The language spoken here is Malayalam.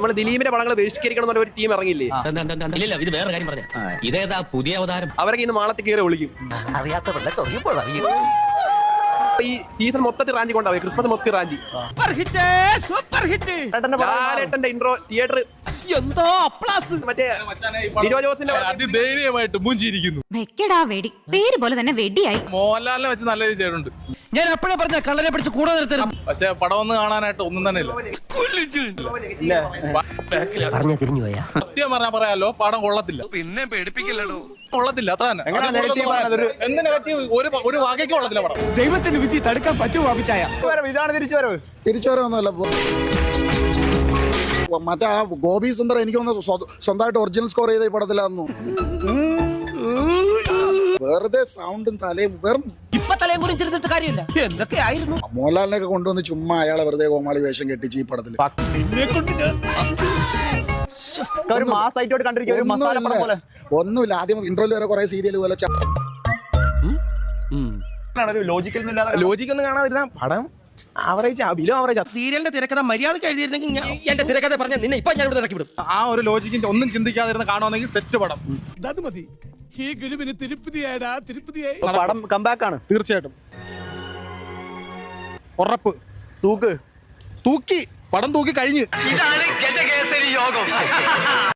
നമ്മൾ ദിലീപിന്റെ പടങ്ങൾ ബഹിഷ്കരിക്കണം എന്നുള്ള ഒരു ടീം ഇറങ്ങിയില്ലേ? ഇത് വേറെ കാര്യം പറഞ്ഞ ഇതേതാ പുതിയ അവതാരം? അവരൊക്കെ ഇന്ന് മാളത്തിൽ കയറി വിളിക്കും. ഈ സീസൺ മൊത്തത്തിൽ റാഞ്ചി കൊണ്ടാവും. ക്രിസ്മസ് മൊത്തത്തിൽ റാഞ്ചി. ലാലേട്ടന്റെ ഇൻട്രോ തിയേറ്റർ മറ്റേ ലിജോ ജോസിന്റെ അതിധൈര്യമായിട്ട് മൂഞ്ചിരിക്കുന്നു. വെക്കടാ വെടി, പേര് പോലെ തന്നെ വെടിയായി. മോഹൻലാലിനെ വെച്ച് നല്ല രീതി ചെയ്തിട്ടുണ്ട്. ഞാൻ എപ്പോഴേ പറഞ്ഞ കള്ളനെ പിടിച്ച് കൂടെ നിർത്തണം. പക്ഷെ പടം ഒന്ന് കാണാനായിട്ട് ഒന്നും തന്നെ ഇല്ല. സത്യം പറഞ്ഞാൽ പറയാലോ, പടം കൊള്ളത്തില്ല. പിന്നെ പേടിപ്പിക്കില്ലടോ, കൊള്ളത്തില്ല. അത്ര തന്നെ. എന്ത് നെഗറ്റീവ്? ഒരു വാകയ്ക്ക് കൊള്ളത്തില്ല പടം. ദൈവത്തിന്റെ വിധി തടുക്കാൻ പറ്റുമോ? ഇതാണ് തിരിച്ചുവരവ്. തിരിച്ചുവരവൊന്നുമല്ല. മറ്റേ ആ ഗോപി സുന്ദർ എനിക്ക് സ്വന്തമായിട്ട് ഒറിജിനൽ സ്കോർ ചെയ്ത ഈ പടത്തിലാന്നു. വെറുതെ സൗണ്ടും തലയും വെറും ഇപ്പൊ തലയും കുറിച്ച് ചെറുതിട്ട് കാര്യമില്ല. എന്തൊക്കെയായിരുന്നു മോഹൻലാലിനൊക്കെ കൊണ്ടുവന്ന് ചുമ്മാ അയാളെ വെറുതെ കോമാളി വേഷം കെട്ടിച്ച് ഈ പടത്തിൽ ഒന്നുമില്ല. ആദ്യം ഇന്റർവ്യൂ വരെ കുറെ സീരിയൽ പോലെ ലോജിക്കൊന്നും കാണാതിരുന്ന പടം സീരിയലിന്റെ തിരക്കഥ മര്യാദ എഴുതിയിരുന്നെങ്കിൽ എന്റെ തിരക്കഥ പറഞ്ഞ നിന്നെ ഇപ്പൊ ഞാൻ ഇവിടെ ഇറക്കി വിടും. ആ ഒരു ലോജിക്കിന്റെ ഒന്നും ചിന്തിക്കാതിരുന്ന് കാണുവാണെങ്കിൽ സെറ്റ് പടം. മതി. ഈ ഗുരുവിന് തിരുപ്പതിയായടാ, തിരുപ്പതിയായി. പടം കംബാക്ക് ആണ് തീർച്ചയായിട്ടും. ഉറപ്പ്. തൂക്കി പടം തൂക്കി കഴിഞ്ഞ്.